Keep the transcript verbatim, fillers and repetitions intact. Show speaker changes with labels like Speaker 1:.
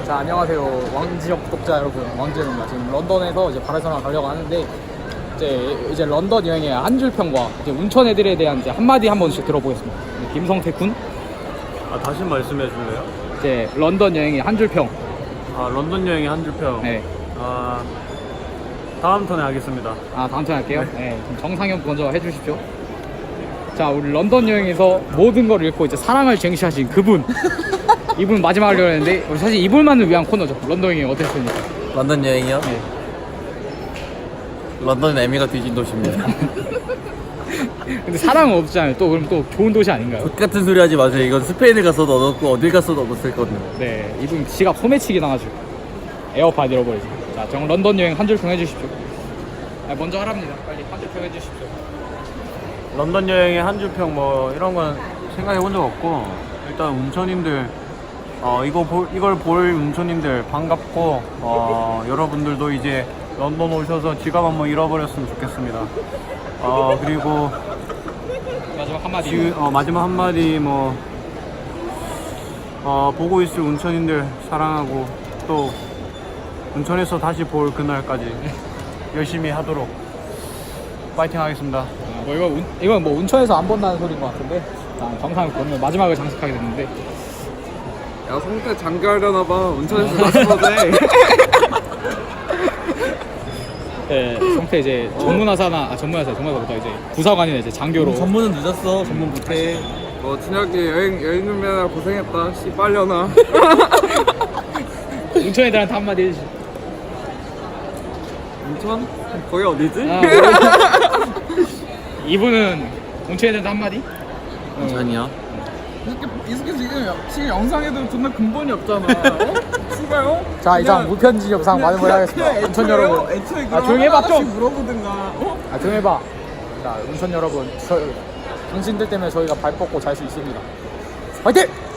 Speaker 1: 자, 안녕하세요. 왕지역 구독자 여러분, 왕지역입니다. 지금 런던에서 이제 바르셀로나 가려고 하는데 이제 이제 런던 여행의 한 줄 평과 이제 운천 애들에 대한 이제 한마디 한 번씩 들어보겠습니다. 김성태 군.
Speaker 2: 아, 다시 말씀해 줄래요?
Speaker 1: 이제 런던 여행의 한 줄 평.
Speaker 2: 아, 런던 여행의 한 줄 평.
Speaker 1: 네.
Speaker 2: 아, 다음 턴에 하겠습니다.
Speaker 1: 아, 다음 턴 할게요. 네. 네. 그럼 정상현 먼저 해주십시오. 자, 우리 런던 여행에서 모든 걸 잃고 이제 사랑을 쟁취하신 그분. 이분 마지막 하려고 했는데 사실 이분만을 위한 코너죠. 런던 여행 어땠습니까?
Speaker 3: 런던 여행이요?
Speaker 1: 네.
Speaker 3: 런던은 애미가 뒤진 도시입니다.
Speaker 1: 근데 사랑은 없잖아요. 또 그럼 또 좋은 도시 아닌가요?
Speaker 3: 똑같은 소리 하지 마세요. 이건 스페인에 가서도 얻었고 어딜 가서도 얻었을 거든요.
Speaker 1: 네, 이분 지갑 소매치기 당하시고 에어팟 잃어버리죠. 자, 정 런던 여행 한 줄 평 해주십시오. 아, 먼저 하랍니다. 빨리 한 줄 평 해주십시오.
Speaker 2: 런던 여행의 한 줄 평 뭐 이런 건 생각해 본 적 없고, 일단 운천님들 어 이거 볼 이걸 볼 운천님들 반갑고, 어 여러분들도 이제 런던 오셔서 지갑 한번 잃어버렸으면 좋겠습니다. 어 그리고
Speaker 1: 마지막 한마디.
Speaker 2: 지금 어, 마지막 한마디 뭐 어, 보고 있을 운천인들 사랑하고, 또 운천에서 다시 볼 그날까지 열심히 하도록 파이팅 하겠습니다.
Speaker 1: 아, 뭐 이거 운, 이건 뭐 운천에서 안 본다는 소리인 것 같은데, 아, 정상을 보면 마지막을 장식하게 됐는데.
Speaker 4: 야, 성태 장가하려나봐. 운천에서 다시 보대.
Speaker 1: 네, 성태 이제 전문화사나 아 전문화사 전문화사보다 이제 부사관이나 이제 장교로.
Speaker 3: 전문은 늦었어. 전문 못해.
Speaker 4: 어, 진혁이 여행, 여행 준비하느라 고생했다. 씨, 빨려나.
Speaker 1: 운천 애들한테 한마디 해주시.
Speaker 4: 운천? 거기 어디지?
Speaker 1: 아, 이분은 운천 애들한테 한마디?
Speaker 3: 괜찮이야?
Speaker 4: 이 새끼, 이 새끼 지금, 지금 영상에도 존나 근본이 없잖아. 어? 씨발요?
Speaker 1: 자, 이상 무편지 영상 많은 걸 하겠습니다. 운천 여러분.
Speaker 4: 애초에
Speaker 1: 아, 조용히 해봐, 좀.
Speaker 4: 하나씩 물어보든가. 어?
Speaker 1: 아, 조용히 해봐. 자, 운천 여러분, 저, 당신들 때문에 저희가 발 뻗고 잘 수 있습니다. 화이팅!